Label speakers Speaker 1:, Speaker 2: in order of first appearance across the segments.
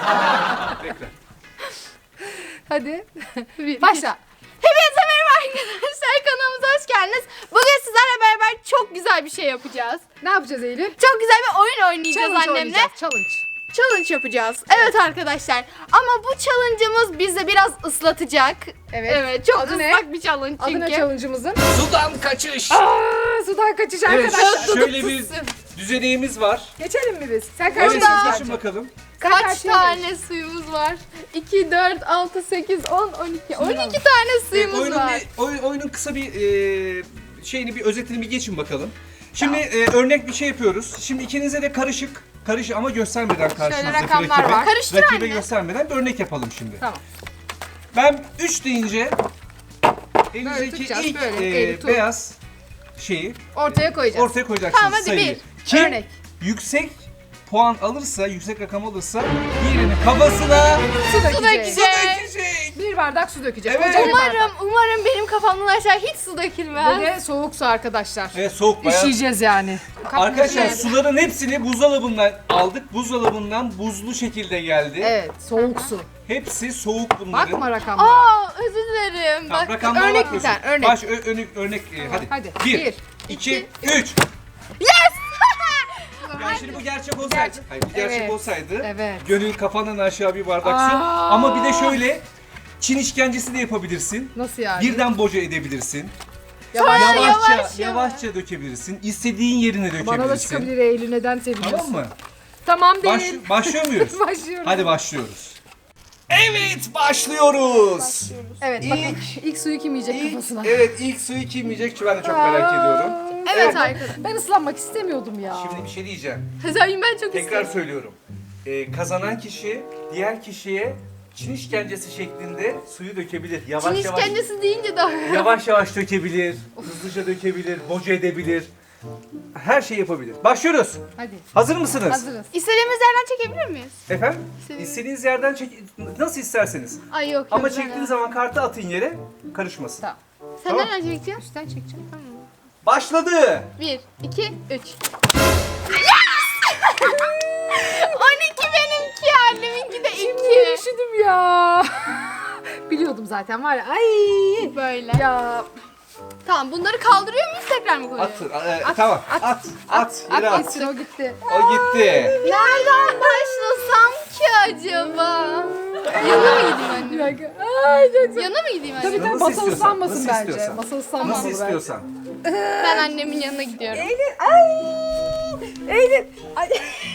Speaker 1: Tekrar.
Speaker 2: Hadi. Başla.
Speaker 3: Hepinize merhaba arkadaşlar, kanalımıza hoş geldiniz. Bugün sizlerle beraber çok güzel bir şey yapacağız.
Speaker 2: Ne yapacağız Eylül?
Speaker 3: Çok güzel bir oyun oynayacağız
Speaker 2: Challenge
Speaker 3: annemle.
Speaker 2: oynayacağız. Challenge.
Speaker 3: Challenge yapacağız. Evet arkadaşlar. Ama bu challenge'ımız bizi biraz ıslatacak.
Speaker 2: Evet.
Speaker 3: çok
Speaker 2: Adı ne?
Speaker 3: ıslak bir challenge
Speaker 2: Adı ne
Speaker 3: çünkü.
Speaker 2: challenge'ımızın?
Speaker 1: Sudan kaçış.
Speaker 2: Sudan kaçış
Speaker 1: Evet,
Speaker 2: arkadaşlar.
Speaker 1: şöyle bir düzeneğimiz var.
Speaker 2: Geçelim mi biz? Sen
Speaker 1: Evet,
Speaker 2: karşıya
Speaker 1: geçin bakalım.
Speaker 3: Kaç
Speaker 2: karşıya
Speaker 3: tane suyumuz var? 2, 4, 6, 8, 10, 12. 12 tane suyumuz
Speaker 1: oyunun,
Speaker 3: var.
Speaker 1: oyunun kısa bir şeyini, bir özetini bir geçin bakalım. Şimdi örnek bir şey yapıyoruz. Şimdi ikinize de karışık ama göstermeden karşınızdaki
Speaker 3: rakamlar
Speaker 1: rakibe.
Speaker 3: var. Karıştır
Speaker 1: Rakibe
Speaker 3: anne.
Speaker 1: göstermeden bir örnek yapalım şimdi.
Speaker 2: Tamam.
Speaker 1: Ben 3 deyince elinizdeki
Speaker 2: tutacağız,
Speaker 1: ilk
Speaker 2: böyle, eli tut.
Speaker 1: beyaz şeyi
Speaker 2: Ortaya koyacağız.
Speaker 1: ortaya koyacaksınız
Speaker 3: Tamam, hadi
Speaker 1: sayıyı.
Speaker 3: bir.
Speaker 1: Kim
Speaker 2: Örnek.
Speaker 1: yüksek puan alırsa, yüksek rakam alırsa diğerinin kafasına
Speaker 2: Su
Speaker 3: Su
Speaker 2: dökeceğiz.
Speaker 3: dökeceğiz.
Speaker 2: Bir bardak su dökeceğiz.
Speaker 1: Evet.
Speaker 2: Koca bir bardak.
Speaker 3: Umarım benim kafamdan aşağı hiç su dökülmez.
Speaker 2: Ve soğuk su arkadaşlar.
Speaker 1: evet, soğuk bayağı.
Speaker 2: İşeyeceğiz yani.
Speaker 1: Arkadaşlar
Speaker 2: Evet.
Speaker 1: suların hepsini buzdolabından aldık. Buzdolabından buzlu şekilde geldi.
Speaker 2: Evet, soğuk su.
Speaker 1: Hepsi soğuk bunların.
Speaker 2: Bakma rakamlara.
Speaker 3: Aa, özür dilerim.
Speaker 1: Tamam,
Speaker 3: Bak,
Speaker 1: rakamlara
Speaker 2: örnek
Speaker 1: bakmıyorsun.
Speaker 2: bir tane, örnek.
Speaker 1: Örnek hadi.
Speaker 2: Hadi.
Speaker 1: 1, 2, 3. Yani şimdi bu gerçek olsaydı. Hayır, bu gerçek
Speaker 2: Evet.
Speaker 1: olsaydı.
Speaker 2: Evet.
Speaker 1: Gönül kafanın aşağı bir bardak su.
Speaker 2: Aa.
Speaker 1: Ama bir de şöyle Çin işkencesi de yapabilirsin.
Speaker 2: Nasıl yani?
Speaker 1: Birden boca edebilirsin.
Speaker 2: Yavaş.
Speaker 1: Yavaşça dökebilirsin. İstediğin yerine dökebilirsin.
Speaker 2: Bana da çıkabilir Eylül, neden seviniyorsun?
Speaker 1: Tamam mı?
Speaker 2: Tamam değil.
Speaker 1: Başlıyor muyuz?
Speaker 2: Başlıyorum.
Speaker 1: Hadi başlıyoruz. Evet, başlıyoruz.
Speaker 2: Evet, bakın ilk suyu kim yiyecek kafasına?
Speaker 1: Evet, ilk suyu kim yiyecek? Ben de çok merak ediyorum.
Speaker 3: Evet arkadaşlar.
Speaker 2: Ben ıslanmak istemiyordum ya.
Speaker 1: Şimdi bir şey diyeceğim.
Speaker 3: Zaten ben çok
Speaker 1: Tekrar
Speaker 3: istedim.
Speaker 1: söylüyorum. Kazanan kişi diğer kişiye Çin işkencesi şeklinde suyu dökebilir. Yavaş
Speaker 3: Çin
Speaker 1: yavaş.
Speaker 3: işkencesi deyince daha...
Speaker 1: Yavaş yavaş dökebilir. Hızlıca dökebilir. Boca edebilir. Her şey yapabilir. Başlıyoruz.
Speaker 2: Hadi.
Speaker 1: Hazır mısınız?
Speaker 2: Hazırız.
Speaker 3: İstediğimiz yerden çekebilir miyiz?
Speaker 1: Efendim?
Speaker 3: İstediğiniz-
Speaker 1: İstediğiniz yerden çek, nasıl isterseniz.
Speaker 3: Ay yok.
Speaker 1: Ama
Speaker 3: yok,
Speaker 1: çektiğiniz
Speaker 3: ben-
Speaker 1: zaman kartı atın yere, karışmasın.
Speaker 2: Tamam.
Speaker 3: Sen
Speaker 1: Tamam.
Speaker 3: nereden çekeceksin?
Speaker 2: Üstten çekeceğim.
Speaker 1: Başladı.
Speaker 3: 1, 2, 3. Yes! 12 benimki, anneminki de 2.
Speaker 2: Üşüdüm ya. Biliyordum zaten var ya. Ay.
Speaker 3: Böyle.
Speaker 2: Ya.
Speaker 3: Tamam, bunları kaldırıyor muyuz, tekrar mı koyuyoruz?
Speaker 1: Tamam. At. Yere at.
Speaker 2: Gitsin, o gitti.
Speaker 1: O gitti.
Speaker 3: Nereden başlasam ki acaba? Yana mı gideyim
Speaker 2: Bir
Speaker 3: anne?
Speaker 2: dakika. Ay çok güzel.
Speaker 3: Yana mı gideyim
Speaker 2: Tabii
Speaker 3: anne?
Speaker 2: tabii
Speaker 1: Nasıl
Speaker 2: masa
Speaker 1: istiyorsan,
Speaker 2: ıslanmasın
Speaker 1: nasıl
Speaker 2: bence.
Speaker 1: istiyorsan.
Speaker 2: Masa ıslanmasın
Speaker 1: Nasıl
Speaker 2: bence.
Speaker 1: istiyorsan.
Speaker 3: Ben annemin yanına gidiyorum.
Speaker 2: Eylül. Ay. Eylül. Ay.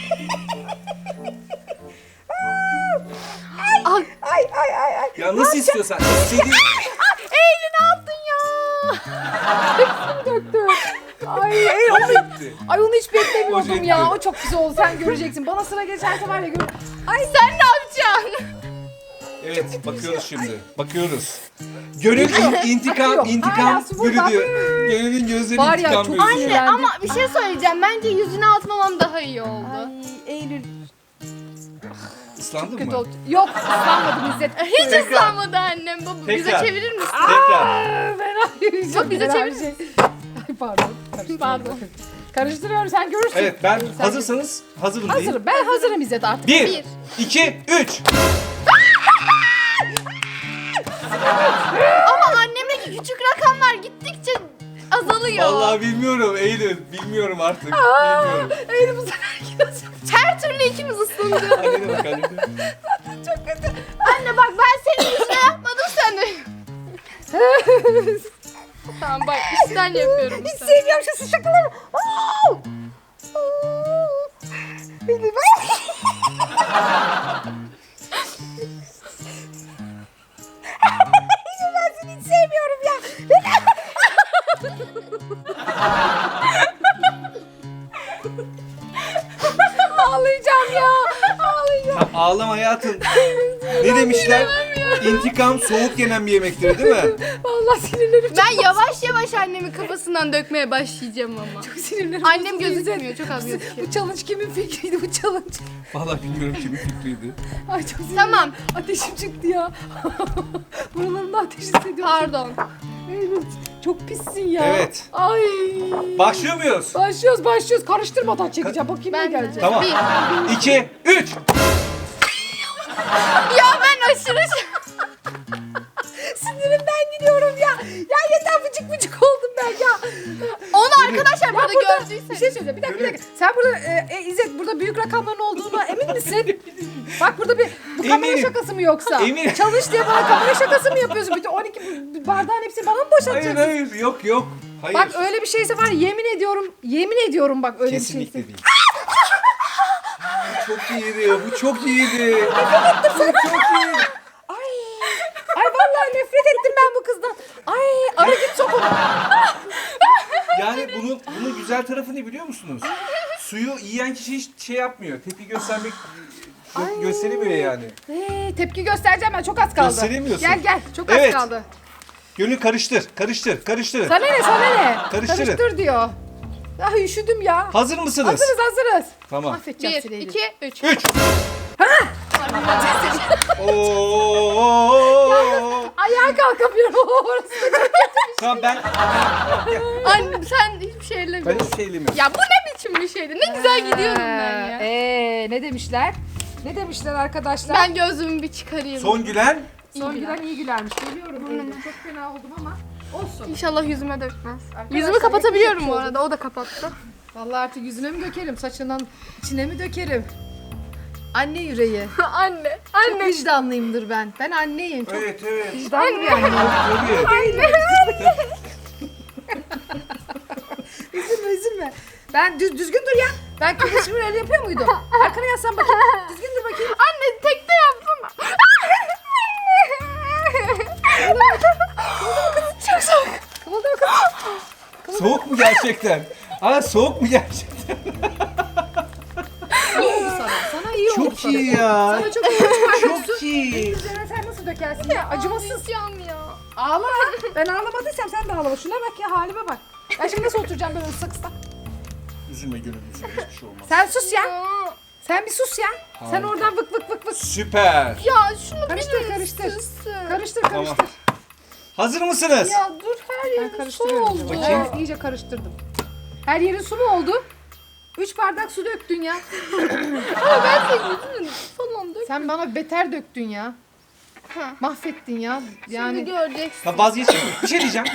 Speaker 3: Ay,
Speaker 2: Ay.
Speaker 1: Ya nasıl istiyorsan. İstediğin...
Speaker 3: Eylül ne yaptın ya?
Speaker 2: Döktü. Ay Eylül onu,
Speaker 1: gitti.
Speaker 2: ay onu hiç beklemiyordum
Speaker 1: Hoca
Speaker 2: ya.
Speaker 1: gitti.
Speaker 2: O çok güzel oldu. Sen göreceksin. Bana sıra geçerse var ya gör.
Speaker 3: Ay sen ne yapacaksın?
Speaker 1: Evet, bakıyoruz şimdi. Bakıyoruz. Gönül intikam
Speaker 2: Hala su burada.
Speaker 1: bürüdü. Gönül'ün gözleri
Speaker 2: Var ya,
Speaker 1: intikam
Speaker 2: çok
Speaker 1: bürüdü.
Speaker 2: anne. Sinirlendim.
Speaker 3: Ama bir şey söyleyeceğim. Bence yüzüne atmamam daha iyi oldu.
Speaker 2: Ay Eylül.
Speaker 1: Islandın
Speaker 2: Kötü
Speaker 1: mı?
Speaker 2: oldu. Yok ıslanmadım İzzet.
Speaker 3: Hiç
Speaker 1: Tekrar.
Speaker 3: ıslanmadı annem. Baba bize
Speaker 1: Tekrar.
Speaker 3: çevirir misin?
Speaker 1: Tekrar.
Speaker 2: Yok
Speaker 3: bize çevir.
Speaker 2: Ay pardon.
Speaker 3: Pardon.
Speaker 2: Karıştırıyorum sen görürsün.
Speaker 1: Evet, ben
Speaker 2: Sen-
Speaker 1: hazırsanız hazırım diyeyim.
Speaker 2: Hazırım. Ben hazırım İzzet artık.
Speaker 1: 1, 2, 3.
Speaker 3: Ama annemdeki küçük rakamlar gittikçe azalıyor.
Speaker 1: Vallahi bilmiyorum Eylül. Bilmiyorum artık. Bilmiyorum.
Speaker 2: Eylül bu sefer gidiyorsun.
Speaker 3: Her türlü ikimiz ıslandık.
Speaker 1: Annene bak annene.
Speaker 2: Çok kötü.
Speaker 3: Anne bak ben senin yüzüne yapmadım sen de. Tamam bak işten yapıyorum.
Speaker 2: Hiç sevmiyorum şu şakaları. Au! Eylül ben seni hiç sevmiyorum ya. Ağlayacağım ya. Ağlayacağım.
Speaker 1: Tamam, ağlama hayatım. Ne demişler? İntikam soğuk yenen bir yemektir değil mi?
Speaker 2: Vallahi sinirlerim çok
Speaker 3: Ben yavaş yavaş annemin kafasından dökmeye başlayacağım ama.
Speaker 2: sinirlerim.
Speaker 3: Annem
Speaker 2: bozuldu İzzet.
Speaker 3: gözükmüyor, çok az gözüküyor.
Speaker 2: Bu challenge kimin fikriydi bu challenge?
Speaker 1: Vallahi bilmiyorum kimin fikriydi.
Speaker 2: Ay çok sinirlerim.
Speaker 3: Tamam.
Speaker 2: Ateşim çıktı ya. Buralarımda ateş hissediyorum.
Speaker 3: Pardon.
Speaker 2: Eylül çok pissin ya.
Speaker 1: Evet.
Speaker 2: Ay.
Speaker 1: Başlıyor muyuz?
Speaker 2: Başlıyoruz. Karıştırmadan çekeceğim. Bakayım ne
Speaker 3: Ben de.
Speaker 2: gelecek.
Speaker 1: Tamam.
Speaker 3: Bir.
Speaker 1: 2, 3.
Speaker 3: Ya ben aşırı
Speaker 2: Sinirimden gidiyorum ya. Ya yeter bıcık bıcık oldum ben ya.
Speaker 3: Onu arkadaşlar burada
Speaker 2: Bir
Speaker 3: gördüyseniz.
Speaker 2: şey söyleyeceğim. Bir dakika. Sen burada İzzet burada büyük rakamların olduğuna emin misin? Bak burada bir bu kamera
Speaker 1: Eminim.
Speaker 2: şakası mı yoksa?
Speaker 1: Eminim.
Speaker 2: Çalış diye bana kamera şakası mı yapıyorsun? Bütün 12 bardağın hepsini bana mı
Speaker 1: Hayır
Speaker 2: boşaltacaksın?
Speaker 1: hayır yok. Hayır.
Speaker 2: Bak öyle bir şeyse var ya, yemin ediyorum bak öyle bir
Speaker 1: Kesinlikle
Speaker 2: şeyse.
Speaker 1: değil. Çok iyiydi. Bu çok iyiydi. Bu çok iyi.
Speaker 2: Ay vallahi nefret ettim ben bu kızdan. Ay ara git sok onu.
Speaker 1: Yani bunun güzel tarafı ne biliyor musunuz? Suyu yiyen kişi hiç şey yapmıyor. Tepki göstermek gösteremiyor yani.
Speaker 2: Tepki göstereceğim ben, çok az kaldı.
Speaker 1: Gösteremiyorsun.
Speaker 2: Gel çok az
Speaker 1: Evet.
Speaker 2: kaldı.
Speaker 1: Gönül karıştır.
Speaker 2: Sana ne?
Speaker 1: Karıştırın.
Speaker 2: Karıştır diyor. Ay üşüdüm ya.
Speaker 1: Hazır mısınız?
Speaker 2: Hazırız.
Speaker 1: Tamam.
Speaker 2: Affedeceğim
Speaker 3: 1,
Speaker 2: seni.
Speaker 3: 2, 3.
Speaker 1: 3. Oo.
Speaker 2: Ayağa kalkamıyorum. Orası da çok-
Speaker 1: Tamam ben
Speaker 3: Anne sen hiçbir şey ellemiyorsun.
Speaker 1: hiçbir şey elemiyorum.
Speaker 3: Ya bu ne biçim bir şeydi? Ne güzel gidiyordum ben ya.
Speaker 2: Ne demişler? Ne demişler arkadaşlar?
Speaker 3: Ben gözümü bir çıkarayım.
Speaker 1: Son gülen
Speaker 2: Son gülen iyi gülermiş. Geliyorum. Çok fena oldum ama olsun.
Speaker 3: İnşallah yüzüme dökmez.
Speaker 2: Arkadaşlar,
Speaker 3: Yüzümü kapatabiliyorum
Speaker 2: yakışık
Speaker 3: bu
Speaker 2: oldu.
Speaker 3: arada. O da kapattı.
Speaker 2: Vallahi artık yüzüne mi dökerim? Saçından içine mi dökerim? Anne yüreği.
Speaker 3: Anne.
Speaker 2: Çok vicdanlıyımdır ben. Ben anneyim. Çok
Speaker 1: Evet.
Speaker 2: vicdanlı bir anneyim.
Speaker 1: Tabii.
Speaker 2: Üzülme. Ben düzgün dur ya. Ben kılıçımı öyle yapıyor muydum? Arkana yaslan bakayım. Düzgün dur bakayım.
Speaker 3: Anne tekte yapsana. Çok soğuk.
Speaker 2: Kımıldı kız.
Speaker 1: Soğuk mu gerçekten? Soğuk mu gerçekten?
Speaker 2: İyi oldu sana. Sana iyi oldu.
Speaker 1: Çok iyi ya.
Speaker 2: Sana çok iyi oldu.
Speaker 1: Çok iyi.
Speaker 2: Üzerine sen nasıl dökersin ya? Acımasız.
Speaker 3: Ağlayacağım ya.
Speaker 2: Ağla. Ben ağlamadıysam sen de ağlama. Şuna bak ya, halime bak. Ben şimdi nasıl oturacağım böyle ıslak ıslak?
Speaker 1: Üzülme Gönül üzülme hiçbir şey olmaz.
Speaker 2: Sen sus ya. Sen bir sus ya. Sen
Speaker 1: Harika.
Speaker 2: oradan vık vık vık vık.
Speaker 1: Süper.
Speaker 3: Ya şunu
Speaker 2: Karıştır,
Speaker 3: bir
Speaker 2: karıştır.
Speaker 3: ısırsın.
Speaker 2: Karıştır
Speaker 1: Tamam.
Speaker 2: karıştır.
Speaker 1: Hazır mısınız?
Speaker 3: Ya dur her
Speaker 2: Ben
Speaker 3: yerim su
Speaker 2: karıştırıyorum.
Speaker 3: oldu.
Speaker 1: Bakayım.
Speaker 2: Evet, iyice karıştırdım. Her yerin su mu oldu? 3 bardak su döktün ya.
Speaker 3: Ama ben senin yüzünü falan dök.
Speaker 2: Sen bana beter döktün ya.
Speaker 3: Ha.
Speaker 2: Mahvettin ya.
Speaker 3: Şimdi
Speaker 2: Yani
Speaker 3: göreceksin.
Speaker 1: Ha vazgeçin. Bir şey diyeceğim.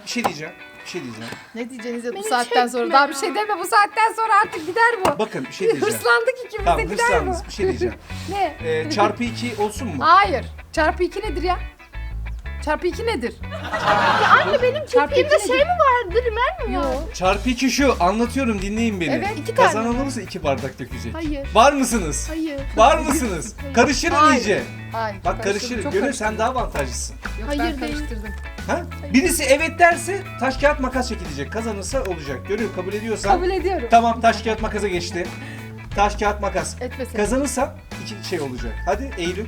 Speaker 2: ne diyeceğiniz ya bu
Speaker 3: Beni
Speaker 2: saatten sonra?
Speaker 3: çekme
Speaker 2: Daha
Speaker 3: ya.
Speaker 2: bir şey deme, bu saatten sonra artık gider bu.
Speaker 1: Bakın bir şey diyeceğim.
Speaker 2: Hırslandık ikimiz de
Speaker 1: Tamam
Speaker 2: gider bu.
Speaker 1: hırslandınız. Bir şey diyeceğim.
Speaker 2: Ne?
Speaker 1: Çarpı 2 olsun mu?
Speaker 2: Hayır. Çarpı 2 nedir ya? Çarpı 2 nedir?
Speaker 3: Anne benim
Speaker 2: Çarpı
Speaker 3: çektiğimde
Speaker 2: iki
Speaker 3: şey mi vardı? Rimer mi
Speaker 2: Yok.
Speaker 3: var?
Speaker 1: Çarpı 2 şu. Anlatıyorum dinleyin beni.
Speaker 2: Evet,
Speaker 3: 2 tane
Speaker 1: Kazanan
Speaker 3: mi?
Speaker 1: olursa 2 bardak dökecek.
Speaker 3: Hayır.
Speaker 1: Var mısınız?
Speaker 3: Hayır.
Speaker 1: Var mısınız? Karıştırın
Speaker 2: Hayır.
Speaker 1: iyice.
Speaker 2: Hayır.
Speaker 1: Bak karıştırın.
Speaker 2: Çok
Speaker 1: Gönül
Speaker 2: karıştırdım.
Speaker 1: sen daha avantajlısın.
Speaker 2: Yok,
Speaker 3: Hayır,
Speaker 2: ben
Speaker 3: değil.
Speaker 2: karıştırdım.
Speaker 1: Ha? Birisi evet derse taş kağıt makas çekilecek. Kazanırsa olacak. Gönül kabul ediyorsan.
Speaker 2: Kabul ediyorum.
Speaker 1: Tamam taş kağıt makasa geçti. Taş kağıt makas.
Speaker 2: Etmesin.
Speaker 1: Kazanırsa 2 şey olacak. Hadi Eylül.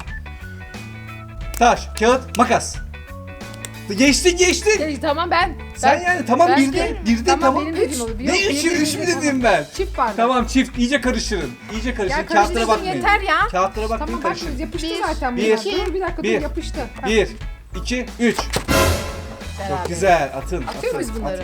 Speaker 1: Taş kağıt makas. Geçti.
Speaker 2: Tamam ben.
Speaker 1: Sen yani tamam
Speaker 2: ben-
Speaker 1: bir de tamam.
Speaker 2: benim dediğim olur.
Speaker 1: Ne
Speaker 2: Yok,
Speaker 1: üçü
Speaker 2: benim
Speaker 1: üç mü
Speaker 2: dediğim
Speaker 1: dedim
Speaker 2: olur.
Speaker 1: ben?
Speaker 2: Çift bardak.
Speaker 1: Tamam çift iyice karıştırın. İyice karıştırın.
Speaker 2: Ya
Speaker 1: Kağıtlara
Speaker 2: karıştırdım
Speaker 1: bakmayın.
Speaker 2: yeter ya.
Speaker 1: Kağıtlara bakmayın
Speaker 2: Tamam bak
Speaker 1: karıştırın.
Speaker 2: yapıştı
Speaker 3: Bir,
Speaker 2: zaten
Speaker 1: bir,
Speaker 2: bunlar. Dur bir dakika
Speaker 1: bir,
Speaker 2: dur yapıştı. Ha,
Speaker 1: 1, 2, 3.
Speaker 2: beraber.
Speaker 1: Çok güzel. Atın.
Speaker 2: Atıyor muyuz bunları?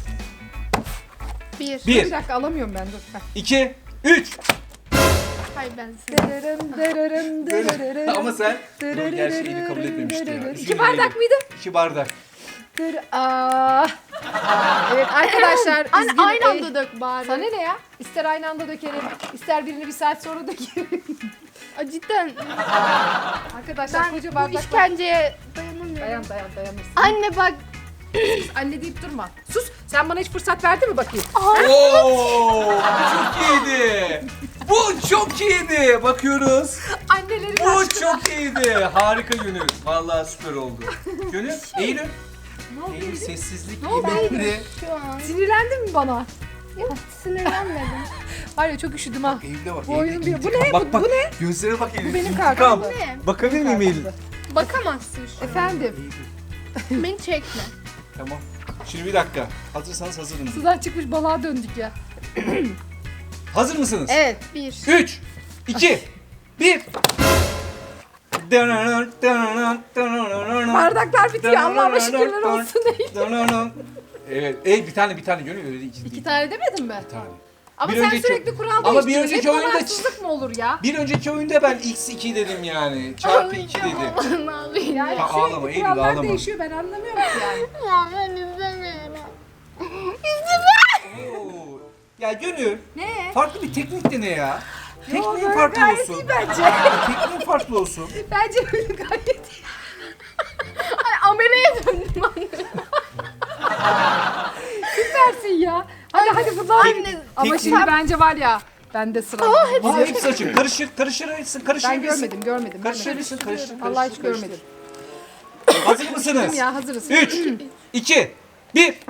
Speaker 3: 1.
Speaker 2: Bir
Speaker 1: 1,
Speaker 2: dakika alamıyorum ben dur. Bak.
Speaker 1: 2, 3.
Speaker 3: Hayır ben size.
Speaker 1: Ama sen Dur, gerçi eli kabul etmemişti ya. Üzülme
Speaker 2: 2 bardak
Speaker 1: Eylül.
Speaker 2: mıydı?
Speaker 1: 2 bardak.
Speaker 2: Evet arkadaşlar.
Speaker 3: Anne
Speaker 2: üzgünüm.
Speaker 3: aynı anda dök bari.
Speaker 2: Sana ne ya? İster aynı anda dökerim, ister birini bir saat sonra dökerim.
Speaker 3: Aa, cidden
Speaker 2: Arkadaşlar
Speaker 3: ben
Speaker 2: koca
Speaker 3: bu
Speaker 2: bardaklar.
Speaker 3: işkenceye dayanamıyorum.
Speaker 2: Dayanırsın.
Speaker 3: Anne bak.
Speaker 2: Anne deyip durma. Sus. Sen bana hiç fırsat verdin mi bakayım?
Speaker 1: Oo! Çok iyiydi. Bu çok iyiydi. Bakıyoruz.
Speaker 2: Annelerin
Speaker 1: Bu çok iyiydi. Harika Gönül. Vallahi süper oldu. Gönül, Eylül.
Speaker 2: Ne oldu?
Speaker 1: Eylül sessizlik
Speaker 2: Ne oldu
Speaker 1: yemekleri.
Speaker 3: Şu an.
Speaker 2: Sinirlendin mi bana?
Speaker 3: Yok sinirlenmedim.
Speaker 2: Var ya çok üşüdüm ha.
Speaker 1: Eylül'e bak.
Speaker 2: Bu
Speaker 1: Eylül,
Speaker 2: oyunun bir- bu
Speaker 1: intikam.
Speaker 2: ne?
Speaker 1: Bak,
Speaker 2: Bu ne?
Speaker 1: Gözlere bak Eylül.
Speaker 2: Bu benim
Speaker 1: İntikam.
Speaker 2: kartım.
Speaker 3: Ne?
Speaker 1: Bakabilir miyim Eylül?
Speaker 3: Bakamazsın şu an.
Speaker 2: Efendim.
Speaker 1: Eylül.
Speaker 3: Beni çekme.
Speaker 1: Tamam. Şimdi bir dakika. Hazırsanız hazırım.
Speaker 2: Sudan çıkmış balığa döndük ya.
Speaker 1: Hazır mısınız?
Speaker 2: Evet.
Speaker 3: 1.
Speaker 1: 3, 2, 1.
Speaker 2: Bardaklar bitiyor. Allah'ıma şükürler olsun.
Speaker 1: Evet. Bir tane Gönül öyle değil.
Speaker 2: İki tane demedin mi?
Speaker 1: Bir tane.
Speaker 2: Ama
Speaker 1: Bir
Speaker 2: sen
Speaker 1: önceki-
Speaker 2: sürekli kural
Speaker 1: Ama
Speaker 2: değiştiriyorsun.
Speaker 1: bir önceki
Speaker 2: Hep
Speaker 1: oyunda-
Speaker 2: kararsızlık mı olur ya?
Speaker 1: Bir önceki oyunda ben x2 dedim yani. Çarpı 2 dedim.
Speaker 3: Ne yapayım
Speaker 2: Yani
Speaker 3: ya?
Speaker 1: Ha, ağlama,
Speaker 2: sürekli
Speaker 1: Eylül,
Speaker 2: kurallar
Speaker 1: ağlama.
Speaker 2: değişiyor ben anlamıyorum ki yani.
Speaker 3: Ya ben izlemiyorum.
Speaker 1: Oo. Ya Gönül,
Speaker 2: Ne?
Speaker 1: farklı bir teknik dene ya. Tekniğin
Speaker 2: böyle
Speaker 1: farklı
Speaker 2: gayet
Speaker 1: olsun.
Speaker 2: iyi bence.
Speaker 1: Tekniğin farklı olsun.
Speaker 2: Bence böyle gayet iyi.
Speaker 3: Ay ameleye döndüm anne.
Speaker 2: Süpersin ya. Hadi bunlar.
Speaker 3: Anne,
Speaker 2: Ama
Speaker 1: tek-
Speaker 2: şimdi bence var ya. Bende sıra.
Speaker 1: Aa, hepsi açık. Karıştırırsın.
Speaker 2: Ben görmedim.
Speaker 1: Karıştırırsın.
Speaker 2: Allah hiç görmedim.
Speaker 1: Hazır mısınız?
Speaker 2: Ya hazırız.
Speaker 1: 3, 2, 1.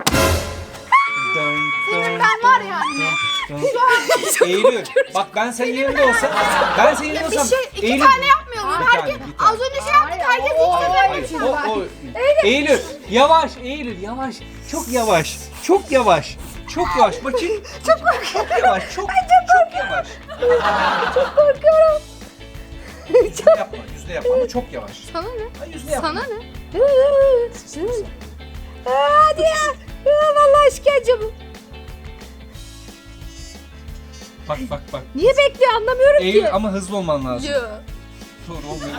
Speaker 3: Senin ben var ya anne.
Speaker 1: Eylül, bak ben senin yerinde olsam,
Speaker 3: Bir şey iki
Speaker 1: Eylül-
Speaker 3: tane yapmayalım.
Speaker 1: Bir
Speaker 3: Herkes
Speaker 1: tane, bir tane.
Speaker 3: az önce şey yaptık. Herkes ilk
Speaker 1: Hayır,
Speaker 3: sefer
Speaker 1: Eylül, yavaş Eylül, yavaş. Çok yavaş. Çok yavaş. Çok yavaş. Bakayım. Çok yavaş. Çok yavaş.
Speaker 2: Çok korkuyorum.
Speaker 1: Yüzde yapma ama çok yavaş.
Speaker 3: Sana ne?
Speaker 1: Ay, yüzde yapma.
Speaker 3: Sana ne?
Speaker 2: Hadi ya. Vallahi işkence bu.
Speaker 1: Bak.
Speaker 2: Niye bekliyor anlamıyorum
Speaker 1: Eylül
Speaker 2: ki.
Speaker 1: ama hızlı olman lazım.
Speaker 3: Yo.
Speaker 1: Doğru olmuyor.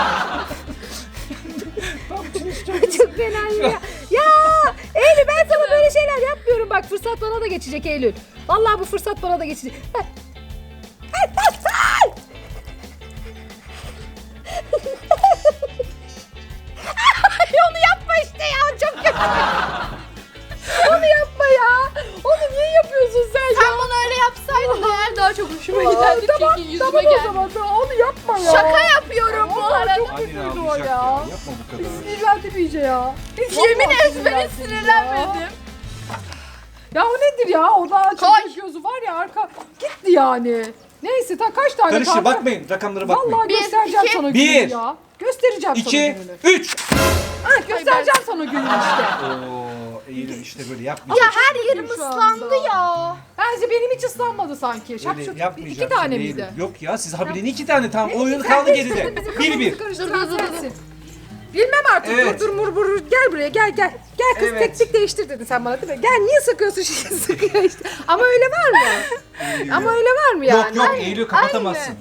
Speaker 2: Çok fenayım ya. Ya Eylül ben sana böyle şeyler yapmıyorum. Bak fırsat bana da geçecek Eylül. Vallahi bu fırsat bana da geçecek. Ay, onu yapma işte ya. Çok kötü. Onu yapma ya. Onu niye yapıyorsun sen ya?
Speaker 3: Sen bana öyle yapsaydın eğer daha çok hoşuma
Speaker 2: Aa,
Speaker 3: giderdi.
Speaker 2: tamam,
Speaker 3: Çünkü yüzüme
Speaker 2: tamam o
Speaker 3: geldi.
Speaker 2: zaman da onu yapma ya.
Speaker 3: Şaka yapıyorum bu
Speaker 2: Vallahi
Speaker 3: arada.
Speaker 2: çok
Speaker 1: Annen
Speaker 2: kötüydü o
Speaker 1: ağlayacak
Speaker 2: ya.
Speaker 1: ya. Yapma bu kadar.
Speaker 2: Sinirlendim iyice ya.
Speaker 3: Yemin
Speaker 2: Vallahi
Speaker 3: et ben hiç sinirlenmedim.
Speaker 2: Ya o nedir ya? Orada
Speaker 3: Koy.
Speaker 2: açık gözü var ya arka gitti yani. Neyse kaç tane
Speaker 1: Karıştır
Speaker 2: kaldı?
Speaker 1: bakmayın. Rakamlara bakmayın.
Speaker 2: Vallahi
Speaker 3: Bir,
Speaker 2: göstereceğim
Speaker 3: iki,
Speaker 2: sana
Speaker 1: bir,
Speaker 2: gününü ya. Göstereceğim sana
Speaker 1: 2,
Speaker 2: gününü.
Speaker 1: 3.
Speaker 2: Ha, göstereceğim sana gününü işte.
Speaker 1: Oo, Eylül işte böyle
Speaker 3: Ya
Speaker 1: yapmayacaksın.
Speaker 3: her yerim
Speaker 2: Şu
Speaker 3: ıslandı
Speaker 2: anda.
Speaker 3: ya.
Speaker 2: Bence benim hiç ıslanmadı sanki.
Speaker 1: Öyle
Speaker 2: İki
Speaker 1: yapmayacaksın.
Speaker 2: tane
Speaker 1: Eylül.
Speaker 2: miydi?
Speaker 1: Yok ya siz haberin 2 tane tamam.
Speaker 2: Ne,
Speaker 1: Oyun
Speaker 2: sen
Speaker 1: kaldı
Speaker 2: karıştırdın,
Speaker 1: geride.
Speaker 2: bizim
Speaker 1: 1-1.
Speaker 2: kafamızı karıştıran
Speaker 3: Dur.
Speaker 2: sensin. Bilmem artık.
Speaker 1: Evet.
Speaker 2: Dur. Gel buraya gel. Gel kız
Speaker 1: Evet.
Speaker 2: teknik değiştir dedin sen bana değil mi? Gel niye sıkıyorsun şimdi sıkıyor işte. Ama öyle var mı? Ama öyle var mı yani?
Speaker 1: Yok Eylül kapatamazsın.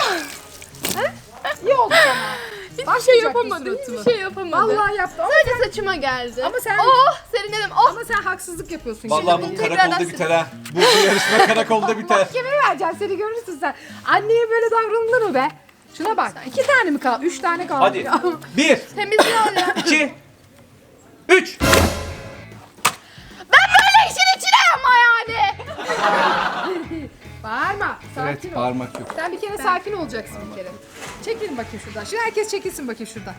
Speaker 2: İyi oldu sana.
Speaker 3: Hiçbir şey yapamadım. Hiçbir şey yapamadım.
Speaker 2: Vallahi yaptı ama,
Speaker 3: Sadece saçıma geldi.
Speaker 2: Ama sen-
Speaker 3: Oh serinledim. Oh.
Speaker 2: ama sen haksızlık yapıyorsun.
Speaker 1: Vallahi
Speaker 2: şimdi.
Speaker 1: bu
Speaker 3: tekrardan
Speaker 1: karakolda
Speaker 3: silin.
Speaker 1: biter ha. Bu yarışma karakolda biter.
Speaker 2: Mahkemeye vereceğim seni görürsün sen. Anneye böyle davranılır mı be? Şuna bak. 2 tane mi kaldı? 3 tane kaldı.
Speaker 1: Hadi.
Speaker 2: Ya.
Speaker 1: 1,
Speaker 3: Temizliyor ya.
Speaker 1: 2, 3.
Speaker 3: Ben böyle işin içine ama yani.
Speaker 2: Bağırma. Sakin
Speaker 1: Evet
Speaker 2: ol.
Speaker 1: parmak yok.
Speaker 2: Sen bir kere sakin olacaksın bir kere. Çekilin bakayım şuradan. Şimdi herkes çekilsin bakayım şuradan.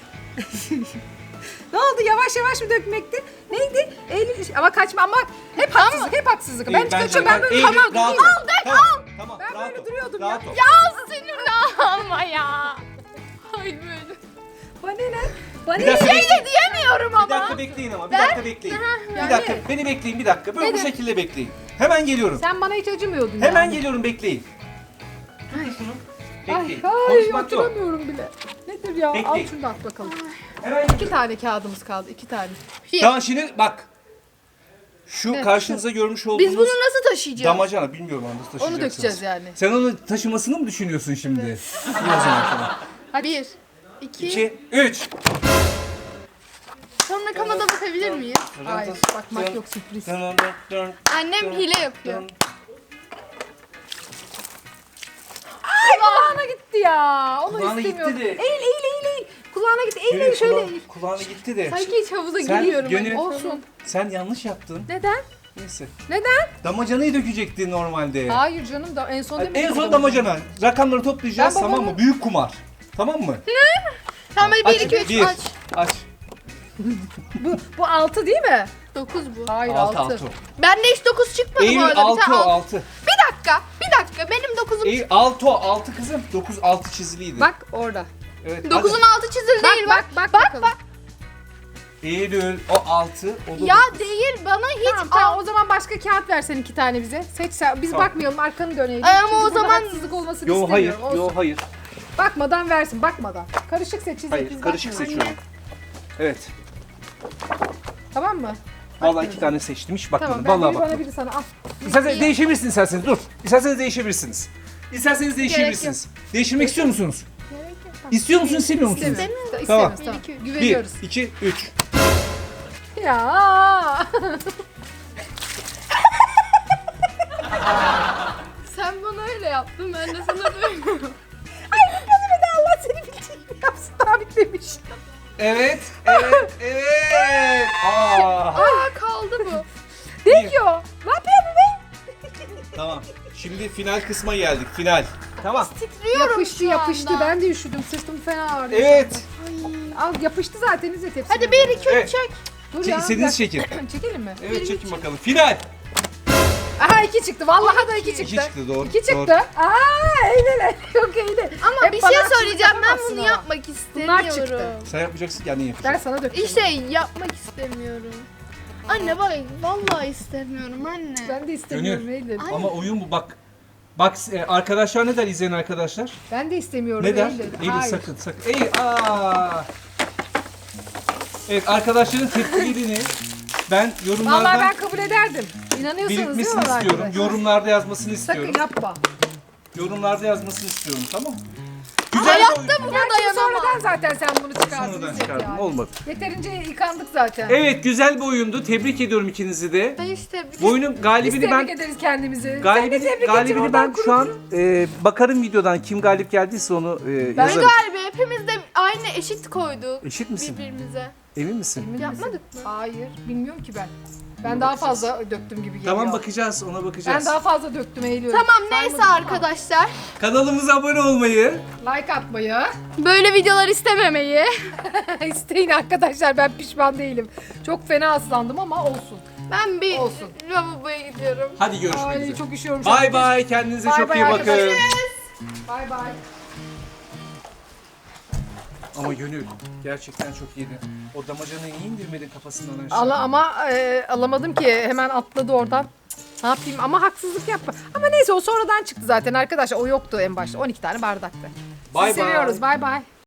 Speaker 2: Ne oldu? Yavaş yavaş mı dökmekti? Neydi? Eylül ama kaçma ama hep haksızlık, hep haksızlık. Ben
Speaker 1: Bence
Speaker 2: çıkacağım. Ben böyle
Speaker 1: Eylül,
Speaker 2: tamam.
Speaker 1: rahat ol.
Speaker 3: Al, dök,
Speaker 1: Tamam,
Speaker 3: al.
Speaker 1: Tamam,
Speaker 2: Ben
Speaker 1: rahat
Speaker 2: böyle
Speaker 1: ol,
Speaker 2: duruyordum
Speaker 1: rahat
Speaker 2: ya.
Speaker 1: ol.
Speaker 3: Ya sinirli ama ya. Ay böyle.
Speaker 2: Bana ne? Bana
Speaker 1: Bir
Speaker 2: ne?
Speaker 1: dakika
Speaker 3: Şey
Speaker 1: bekleyin.
Speaker 3: de diyemiyorum
Speaker 1: Bir
Speaker 3: ama.
Speaker 1: dakika bekleyin ama. Bir dakika bekleyin.
Speaker 2: yani.
Speaker 1: Bir dakika. Beni bekleyin bir dakika. Böyle bu
Speaker 2: Nedir?
Speaker 1: şekilde bekleyin. Hemen geliyorum.
Speaker 2: Sen bana hiç acımıyordun
Speaker 1: Hemen
Speaker 2: yani.
Speaker 1: geliyorum bekleyin. Tutun şunu.
Speaker 2: Ay,
Speaker 1: Bekleyin.
Speaker 2: ay
Speaker 1: Konuşmak yok.
Speaker 2: oturamıyorum bile. Nedir ya? Al
Speaker 1: Bekleyin.
Speaker 2: şunu da at bakalım.
Speaker 1: Hemen
Speaker 2: 2 tane kağıdımız kaldı. 2 tane.
Speaker 1: Tamam şimdi bak. Şu
Speaker 2: Ne?
Speaker 1: karşınıza görmüş olduğunuz
Speaker 3: Biz bunu nasıl taşıyacağız?
Speaker 1: damacana bilmiyorum nasıl taşıyacaksınız.
Speaker 2: Onu dökeceğiz yani.
Speaker 1: Sen onu taşımasını mı düşünüyorsun şimdi? İyi o zaman tamam.
Speaker 3: Hadi. 1, 2.
Speaker 1: 2, 3.
Speaker 3: Sonra kamada bakabilir miyim?
Speaker 2: Hayır, bakmak yok, sürpriz.
Speaker 3: Annem hile yapıyor.
Speaker 2: Ay kulağına gitti ya. Onu
Speaker 1: Kulağına
Speaker 2: istemiyorum.
Speaker 1: gitti de.
Speaker 2: Eğil. Kulağına gitti. Eğil şöyle eğil.
Speaker 1: Kulağına gitti de.
Speaker 3: Sanki hiç havuza
Speaker 1: Sen
Speaker 3: giriyorum.
Speaker 1: gönül-
Speaker 3: hani.
Speaker 2: Olsun.
Speaker 1: Sen yanlış yaptın.
Speaker 2: Neden?
Speaker 1: Neyse.
Speaker 2: Neden?
Speaker 1: Damacanayı dökecektin normalde.
Speaker 2: Hayır canım da en son demedim.
Speaker 1: En son damacana. Rakamları toplayacağız
Speaker 2: Ben
Speaker 1: tamam
Speaker 2: babamı-
Speaker 1: mı? Büyük kumar. Tamam mı?
Speaker 3: Tamam hadi 1, 2, 3
Speaker 1: Bir.
Speaker 3: aç.
Speaker 1: Aç.
Speaker 2: Bu 6 değil mi?
Speaker 3: 9 bu.
Speaker 2: Hayır
Speaker 1: 6
Speaker 2: 6.
Speaker 1: 6.
Speaker 3: Bende hiç 9 çıkmadı bu
Speaker 1: Eylül
Speaker 3: arada.
Speaker 1: 6 o 6.
Speaker 3: Bir dakika. Benim 9'um.
Speaker 1: Eylül 6 o 6 kızım. 9 6 çiziliydi.
Speaker 2: Bak orada.
Speaker 1: Evet.
Speaker 3: 9'un altı çizili
Speaker 2: Bak,
Speaker 3: değil
Speaker 2: bak,
Speaker 3: bak.
Speaker 2: bak bakalım.
Speaker 1: Eylül o 6 o da
Speaker 3: Ya
Speaker 1: dokuz.
Speaker 3: değil bana hiç
Speaker 2: Tamam o zaman başka kağıt versen 2 tane bize. Seç sen. Biz
Speaker 1: Tamam.
Speaker 2: bakmayalım arkanı dönelim.
Speaker 3: Ama
Speaker 2: Çünkü
Speaker 3: o
Speaker 2: burada
Speaker 3: zaman-
Speaker 2: haksızlık olmasını
Speaker 1: Yo hayır.
Speaker 2: istemiyorum. Olsun.
Speaker 1: Yo hayır.
Speaker 2: Bakmadan versin bakmadan. Karışık seçeceğiz.
Speaker 1: Hayır.
Speaker 2: biz
Speaker 1: Karışık
Speaker 2: bakmıyoruz.
Speaker 1: seçiyorum. Evet.
Speaker 2: Tamam mı?
Speaker 1: Vallahi 2 tane seçtim hiç bakmadım.
Speaker 2: Tamam ben
Speaker 1: Vallahi
Speaker 2: biri bana
Speaker 1: bakmadım.
Speaker 2: biri sana al.
Speaker 1: İsterseniz değişebilirsiniz isterseniz. Dur. İsterseniz değişebilirsiniz. İsterseniz değişebilirsiniz. Değiştirmek istiyor musunuz? İstiyor musunuz, istemiyor musunuz?
Speaker 2: İstemiyoruz.
Speaker 1: Tamam.
Speaker 2: İstemiyoruz. Tamam.
Speaker 1: 1,
Speaker 2: Güveniyoruz.
Speaker 1: 2, 3.
Speaker 2: Ya.
Speaker 3: Sen bana öyle yaptın, ben de sana böyle.
Speaker 2: Bir de Allah seni bildiğini yapsın. Daha bitmemiş.
Speaker 1: Evet, evet, evet. Aa.
Speaker 3: Kaldı bu.
Speaker 2: Dekiyor. Ne yapıyor bu be?
Speaker 1: Tamam. Şimdi final kısma geldik. Final. Tamam.
Speaker 3: Titriyorum
Speaker 2: Yapıştı
Speaker 3: şu
Speaker 2: yapıştı.
Speaker 3: anda.
Speaker 2: Ben de üşüdüm. Sırtım fena ağrıyor.
Speaker 1: Evet.
Speaker 2: Al yapıştı zaten İzzet hepsini.
Speaker 3: Hadi 1, 2, 3
Speaker 1: Evet.
Speaker 3: çek.
Speaker 2: Dur ya.
Speaker 1: İstediğiniz şekil.
Speaker 2: Çekelim mi?
Speaker 1: Evet, çekin bakalım. Final.
Speaker 2: Aha 2 çıktı. Vallahi da 2 çıktı.
Speaker 1: 2 çıktı, doğru.
Speaker 2: 2 çıktı.
Speaker 1: Doğru.
Speaker 2: Aa Eylül. Yok Eylül.
Speaker 3: Ama
Speaker 2: Hep
Speaker 3: bir
Speaker 2: bana
Speaker 3: şey
Speaker 2: haksızlık
Speaker 3: söyleyeceğim, ben
Speaker 2: yapamazsın
Speaker 3: bunu
Speaker 2: ama.
Speaker 3: yapmak
Speaker 2: Bunlar
Speaker 3: istemiyorum.
Speaker 2: çıktı.
Speaker 1: Sen yapacaksın, yani yapacağım.
Speaker 2: Ben sana dökeceğim.
Speaker 3: İşte yapmak istemiyorum. Anne bak, vallahi istemiyorum anne.
Speaker 2: Ben de istemiyorum
Speaker 1: Gönül.
Speaker 2: Eylül.
Speaker 1: Ama oyun bu, bak. Bak arkadaşlar ne der, izleyen arkadaşlar?
Speaker 2: Ben de istemiyorum
Speaker 1: Ne der?
Speaker 2: Eylül.
Speaker 1: Eylül
Speaker 2: Hayır.
Speaker 1: sakın sakın. Evet, arkadaşların tepkilerini ben yorumlardan
Speaker 2: Vallahi ben kabul ederdim. İnanıyorsunuz değil mi
Speaker 1: belirtmesini
Speaker 2: bana
Speaker 1: istiyorum.
Speaker 2: arkadaşlar?
Speaker 1: Yorumlarda yazmasını istiyorum.
Speaker 2: Sakın yapma.
Speaker 1: Yorumlarda yazmasını istiyorum, tamam mı? Güzel bir
Speaker 3: Hayatta
Speaker 1: oyun.
Speaker 3: buna
Speaker 2: Gerçi
Speaker 3: dayanamam.
Speaker 2: sonradan zaten sen bunu çıkardın.
Speaker 1: Sonradan
Speaker 2: İzzet
Speaker 1: çıkardım,
Speaker 2: yani.
Speaker 1: olmadı.
Speaker 2: Yeterince yıkandık zaten.
Speaker 1: Evet, güzel bir oyundu. Tebrik ediyorum ikinizi de.
Speaker 3: Ben işte
Speaker 1: Bu oyunun
Speaker 2: Biz
Speaker 1: galibini
Speaker 2: tebrik
Speaker 1: ben
Speaker 2: ederiz kendimizi. Seni tebrik edeceğim,
Speaker 1: galibini ben
Speaker 2: oradan
Speaker 1: şu an
Speaker 2: kurutun.
Speaker 1: bakarım videodan kim galip geldiyse onu
Speaker 2: Ben
Speaker 1: yazarım.
Speaker 3: galiba hepimiz de aynı eşit koyduk
Speaker 1: Eşit misin?
Speaker 3: birbirimize.
Speaker 1: Emin misin?
Speaker 2: Emin
Speaker 3: Yapmadık
Speaker 2: misin?
Speaker 3: mı?
Speaker 2: Hayır. Bilmiyorum ki ben. Ben daha fazla döktüm gibi geliyor.
Speaker 1: Tamam, bakacağız, ona bakacağız.
Speaker 2: Ben daha fazla döktüm Eylül.
Speaker 3: Tamam neyse
Speaker 2: Saymadım ama.
Speaker 3: arkadaşlar.
Speaker 1: Kanalımıza abone olmayı,
Speaker 2: Like atmayı.
Speaker 3: Böyle videolar istememeyi.
Speaker 2: İsteyin arkadaşlar, ben pişman değilim. Çok fena ıslandım ama olsun.
Speaker 3: Ben bir
Speaker 2: Olsun.
Speaker 3: lavaboya gidiyorum.
Speaker 1: hadi görüşmek
Speaker 2: Ay
Speaker 1: üzere.
Speaker 2: çok üşüyorum. şu an.
Speaker 1: Bay bay, kendinize
Speaker 2: Bay
Speaker 1: çok
Speaker 2: bay
Speaker 1: iyi bakın.
Speaker 2: arkadaşlar. Bay bay.
Speaker 1: Ama Gönül gerçekten çok iyiydi. O damacanayı niye indirmedin kafasından aşağı?
Speaker 2: Ama alamadım ki, hemen atladı oradan. Ne yapayım ama haksızlık yapma. Ama neyse, o sonradan çıktı zaten arkadaşlar. O yoktu en başta. 12 tane bardaktı.
Speaker 1: Bay
Speaker 2: Sizi
Speaker 1: bay.
Speaker 2: seviyoruz. Bay bay.